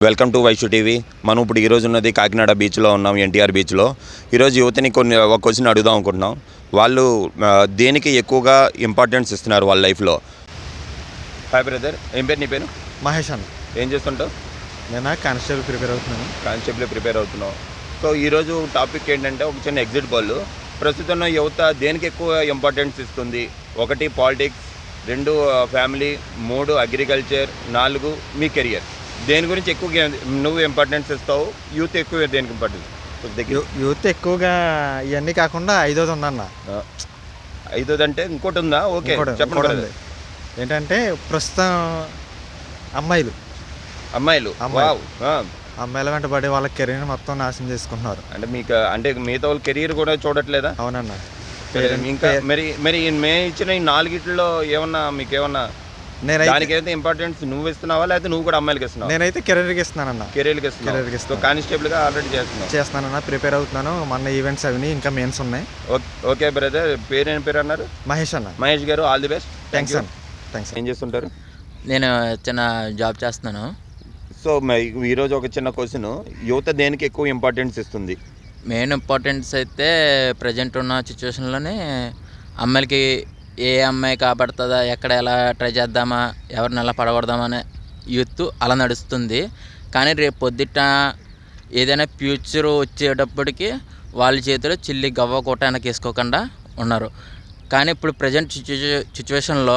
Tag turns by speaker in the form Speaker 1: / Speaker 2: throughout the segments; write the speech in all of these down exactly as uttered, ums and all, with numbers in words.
Speaker 1: Welcome to Vaishu TV. మనం ఇప్పుడు ఈరోజు ఉన్నది కాకినాడ బీచ్లో ఉన్నాం, ఎన్టీఆర్ బీచ్లో. ఈరోజు యువతని కొన్ని ఒక క్వశ్చన్ అడుగుదాం అనుకుంటున్నాం. వాళ్ళు దేనికి ఎక్కువగా ఇంపార్టెన్స్ ఇస్తున్నారు వాళ్ళ లైఫ్లో? హాయ్ బ్రదర్, ఏం పేరు నీ పేరు?
Speaker 2: మహేష్ అన్న.
Speaker 1: ఏం చేస్తుంటావు?
Speaker 2: నేను కానిస్టేబుల్ ప్రిపేర్ అవుతున్నాను.
Speaker 1: కానిస్టేబుల్ ప్రిపేర్ అవుతున్నావు. సో ఈరోజు టాపిక్ ఏంటంటే ఒక చిన్న ఎగ్జిట్ బాల్. ప్రస్తుతం యువత దేనికి ఎక్కువ ఇంపార్టెన్స్ ఇస్తుంది? ఒకటి పాలిటిక్స్, రెండు ఫ్యామిలీ, మూడు అగ్రికల్చర్, నాలుగు మీ కెరియర్. దేని గురించి ఎక్కువ నువ్వు ఇంపార్టెన్స్ ఇస్తావు? యూత్ ఎక్కువ దేనికి ఇంపార్టెన్స్?
Speaker 2: యూత్ ఎక్కువగా ఇవన్నీ కాకుండా ఐదోది ఉందన్న.
Speaker 1: ఐదోది అంటే ఇంకోటి ఉందా? ఓకే చెప్పండి.
Speaker 2: ఏంటంటే ప్రస్తుతం అమ్మాయిలు
Speaker 1: అమ్మాయిలు
Speaker 2: అమ్మాయిల వెంట పడి వాళ్ళ కెరీర్ మొత్తం నాశనం చేసుకుంటున్నారు.
Speaker 1: అంటే మీకు అంటే మిగతా వాళ్ళ కెరీర్ కూడా చూడట్లేదా?
Speaker 2: అవునన్న.
Speaker 1: ఇంకా మరి మరి మే ఇచ్చిన ఈ నాలుగిట్లో ఏమన్నా మీకు ఏమన్నా దానికి అయితే ఇంపార్టెన్స్ నువ్వు ఇస్తున్నావా లేకపోతే నువ్వు కూడా అమ్మాయిలకి ఇస్తున్నావా?
Speaker 2: నేనైతే కెరీర్కి ఇస్తున్నానన్న.
Speaker 1: కెరీర్కి ఇస్తున్నాను. కానిస్టేబుల్గా ఆల్రెడీ చేస్తున్నాను
Speaker 2: చేస్తున్నానన్న ప్రిపేర్ అవుతున్నాను. మన ఈవెంట్స్ అవి ఇంకా మెయిన్స్ ఉన్నాయి.
Speaker 1: ఓకే బ్రదర్, పేరు ఏం పేరు అన్నారు?
Speaker 2: మహేష్ అన్న.
Speaker 1: మహేష్ గారు, ఆల్ ది బెస్ట్.
Speaker 2: థ్యాంక్స్ అన్న. థ్యాంక్స్.
Speaker 1: ఏం చేస్తుంటారు?
Speaker 3: నేను చిన్న జాబ్ చేస్తున్నాను.
Speaker 1: సో ఈరోజు ఒక చిన్న క్వశ్చన్, యువత దేనికి ఎక్కువ ఇంపార్టెన్స్ ఇస్తుంది?
Speaker 3: మెయిన్ ఇంపార్టెన్స్ అయితే ప్రజెంట్ ఉన్న సిచ్యువేషన్లోనే అమ్మాయిలకి ఏ అమ్మాయి కాపాడుతుందా, ఎక్కడ ఎలా ట్రై చేద్దామా, ఎవరిని ఎలా పడగొడదామా అనే యూత్ అలా నడుస్తుంది. కానీ రేపు పొద్దుట ఏదైనా ఫ్యూచర్ వచ్చేటప్పటికి వాళ్ళ చేతిలో చిల్లి గవ్వ కోట వెనక వేసుకోకుండా ఉన్నారు. కానీ ఇప్పుడు ప్రజెంట్ సిచ్యువే సిచ్యువేషన్లో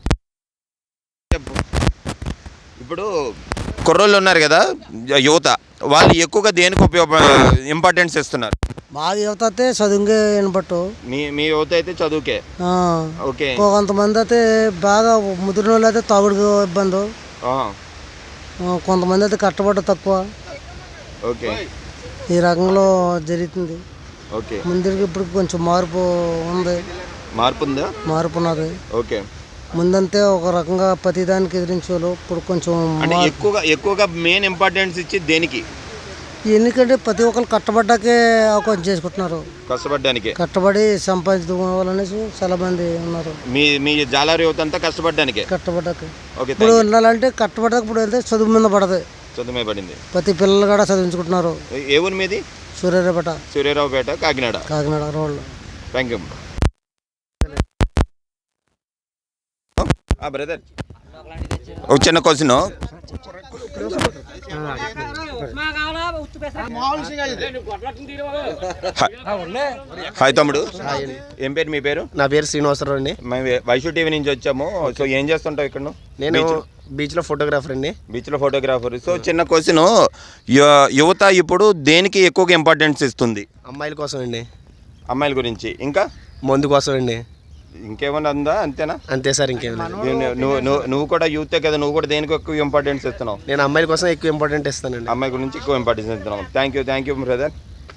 Speaker 1: ఇప్పుడు కుర్రోళ్ళు ఉన్నారు కదా యువత, వాళ్ళు ఎక్కువగా దేనికి ఉపయోగ ఇంపార్టెన్స్ ఇస్తున్నారు?
Speaker 4: మా యువత అయితే చదువుకే వినపట్టు.
Speaker 1: మీ మీ యువత అయితే చదువుకే. ఓకే.
Speaker 4: కొంతమంది అయితే బాగా ముదిరిన వాళ్ళు అయితే తాగుడు ఇబ్బంది, కొంతమంది అయితే కట్టబడ్డ తక్కువ.
Speaker 1: ఓకే.
Speaker 4: ఈ రకంలో జరుగుతుంది.
Speaker 1: ఓకే.
Speaker 4: ముందుకి ఇప్పుడు కొంచెం మార్పు ఉంది.
Speaker 1: మార్పు ఉందా?
Speaker 4: మార్పు ఉన్నది.
Speaker 1: ఓకే.
Speaker 4: ముందంతే ఒక రకంగా ప్రతిదానికి ఎదిరించేవాళ్ళు, ఇప్పుడు కొంచెం
Speaker 1: ఎక్కువగా ఎక్కువగా మెయిన్ ఇంపార్టెన్స్ ఇచ్చి దేనికి?
Speaker 4: ఎందుకంటే ప్రతి ఒక్కరు కట్టబడ్డాకే అవకాశం చేసుకుంటున్నారు.
Speaker 1: కష్టపడ్డానికి,
Speaker 4: కట్టబడి సంపాదించుకోవాలనేసి చాలా మంది ఉన్నారు.
Speaker 1: మీ మీ జాలారి యువత అంతా కష్టపడ్డానికి
Speaker 4: కట్టబడ్డాక ఇప్పుడు వెళ్ళాలంటే కట్టబడ్డాక ఇప్పుడు వెళ్తే చదువు మీద పడదు.
Speaker 1: చదువు మీద పడింది.
Speaker 4: ప్రతి పిల్లలు కూడా చదివించుకుంటున్నారు.
Speaker 1: ఏ ఊరి మీది?
Speaker 4: Suryaraopeta.
Speaker 1: Suryaraopeta, Kakinada.
Speaker 4: Kakinada road.
Speaker 1: Thank you brother. ఒక చిన్న క్వశ్చన్, హాయ్ తమ్ముడు, ఏం పేరు మీ పేరు?
Speaker 5: నా పేరు శ్రీనివాసరావు అండి.
Speaker 1: మేము వైషు టీవీ నుంచి వచ్చాము. సో ఏం చేస్తుంటావు ఇక్కడ?
Speaker 5: నేను బీచ్లో ఫోటోగ్రాఫర్ అండి.
Speaker 1: బీచ్లో ఫోటోగ్రాఫర్. సో చిన్న క్వశ్చన్, యువత ఇప్పుడు దేనికి ఎక్కువగా ఇంపార్టెన్స్ ఇస్తుంది?
Speaker 5: అమ్మాయిల కోసం అండి.
Speaker 1: అమ్మాయిల గురించి, ఇంకా
Speaker 5: మందు కోసం అండి.
Speaker 1: ఇంకేమన్నా ఉందా? అంతేనా?
Speaker 5: అంతే సార్, ఇంకేం లేదు.
Speaker 1: నువ్వు నువ్వు కూడా యూతే కదా, నువ్వు కూడా దేనికి ఎక్కువ ఇంపార్టెన్స్ ఇస్తున్నావు?
Speaker 5: నేను అమ్మాయిల కోసం ఎక్కువ ఇంపార్టెంట్ ఇస్తానండి.
Speaker 1: అమ్మాయి గురించి ఎక్కువ ఇంపార్టెన్స్ ఇస్తున్నావు. Thank you thank you brother.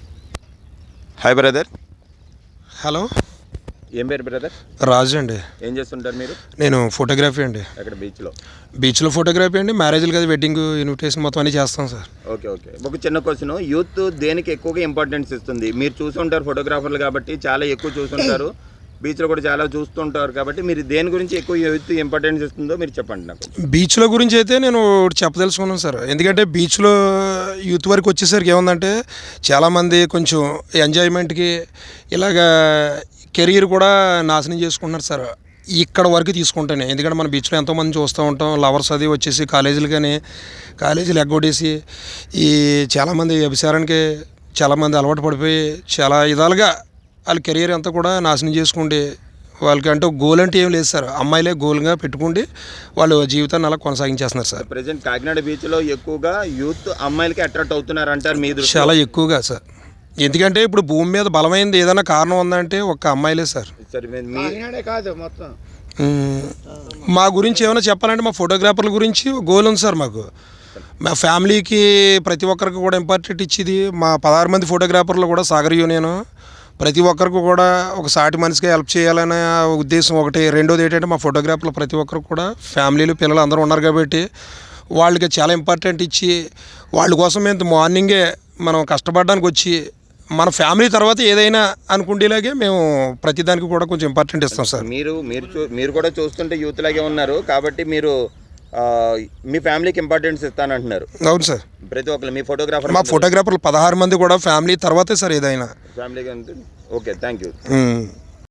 Speaker 1: Hi brother.
Speaker 6: Hello,
Speaker 1: ఏం పేరు బ్రదర్?
Speaker 6: రాజు అండి.
Speaker 1: ఏం చేస్తుంటారు మీరు?
Speaker 6: నేను ఫోటోగ్రఫీ అండి.
Speaker 1: అక్కడ బీచ్లో? బీచ్లో
Speaker 6: ఫోటోగ్రఫీ అండి. మ్యారేజ్లు కదా, వెడ్డింగ్ ఇన్విటేషన్ మొత్తం అన్నీ చేస్తాం సార్.
Speaker 1: Okay okay. ఒక చిన్న క్వశ్చన్, యూత్ దేనికి ఎక్కువగా ఇంపార్టెన్స్ ఇస్తుంది? మీరు చూసుంటారు ఫోటోగ్రాఫర్లు కాబట్టి, చాలా ఎక్కువ చూసుంటారు, బీచ్లో కూడా చాలా చూస్తుంటారు కాబట్టి, మీరు దేని గురించి ఎక్కువ యూత్ ఇంపార్టెన్స్ ఇస్తుందో మీరు చెప్పండి నాకు.
Speaker 6: బీచ్లో గురించి అయితే నేను చెప్పదలుచుకున్నాను సార్. ఎందుకంటే బీచ్లో యూత్ వరకు వచ్చేసరికి ఏముందంటే చాలామంది కొంచెం ఎంజాయ్మెంట్కి ఇలాగా కెరీర్ కూడా నాశనం చేసుకుంటున్నారు సార్. ఇక్కడ వరకు తీసుకుంటాను. ఎందుకంటే మన బీచ్లో ఎంతోమంది చూస్తూ ఉంటాం, లవర్స్ అది వచ్చేసి కాలేజీలు కానీ కాలేజీలు ఎగ్గొట్టేసి ఈ చాలామంది వ్యభిచారానికి చాలామంది అలవాటు పడిపోయి చాలా విధాలుగా వాళ్ళ కెరీర్ అంతా కూడా నాశనం చేసుకుంటే, వాళ్ళకి అంటే గోల్ అంటే ఏం లేదు సార్. అమ్మాయిలే గోల్గా పెట్టుకుంటే వాళ్ళు జీవితాన్ని అలా కొనసాగించేస్తున్నారు సార్.
Speaker 1: ప్రెజెంట్ కాకినాడ బీచ్లో ఎక్కువగా యూత్ అమ్మాయిలకి అట్రాక్ట్ అవుతున్నారు అంటారు మీరు?
Speaker 6: చాలా ఎక్కువగా సార్. ఎందుకంటే ఇప్పుడు భూమి మీద బలమైనది ఏదైనా కారణం ఉందంటే ఒక్క అమ్మాయిలే సార్.
Speaker 5: కాదు మొత్తం.
Speaker 6: మా గురించి ఏమైనా చెప్పాలంటే మా ఫోటోగ్రాఫర్ల గురించి గోల్ ఉంది సార్. మాకు మా ఫ్యామిలీకి ప్రతి ఒక్కరికి కూడా ఇంపార్టెంట్ ఇచ్చేది మా పదహారు మంది ఫోటోగ్రాఫర్లు కూడా సాగర్ యూనియన్ ప్రతి ఒక్కరికి కూడా ఒక సాటి మనిషిగా హెల్ప్ చేయాలనే ఉద్దేశం ఒకటి. రెండోది ఏంటంటే మా ఫోటోగ్రాఫర్లు ప్రతి ఒక్కరికి కూడా ఫ్యామిలీలు పిల్లలు అందరూ ఉన్నారు కాబట్టి వాళ్ళకి చాలా ఇంపార్టెంట్ ఇచ్చి వాళ్ళ కోసం మేము మార్నింగే మనం కష్టపడడానికి వచ్చి మన ఫ్యామిలీ తర్వాత ఏదైనా అనుకుంటేలాగే మేము ప్రతిదానికి కూడా కొంచెం ఇంపార్టెంట్ ఇస్తాం సార్.
Speaker 1: మీరు మీరు మీరు కూడా చూస్తుంటే యూత్ లాగే ఉన్నారు కాబట్టి మీరు మీ ఫ్యామిలీకి ఇంపార్టెన్స్ ఇస్తానంటున్నారు.
Speaker 6: అవును సార్.
Speaker 1: ప్రతి ఒక్కరు మీ ఫోటోగ్రాఫర్
Speaker 6: మా ఫోటోగ్రాఫర్లు పదహారు మంది కూడా ఫ్యామిలీ తర్వాతే సార్ ఏదైనా
Speaker 1: ఫ్యామిలీకి. Okay, thank you.
Speaker 6: ఉమ్.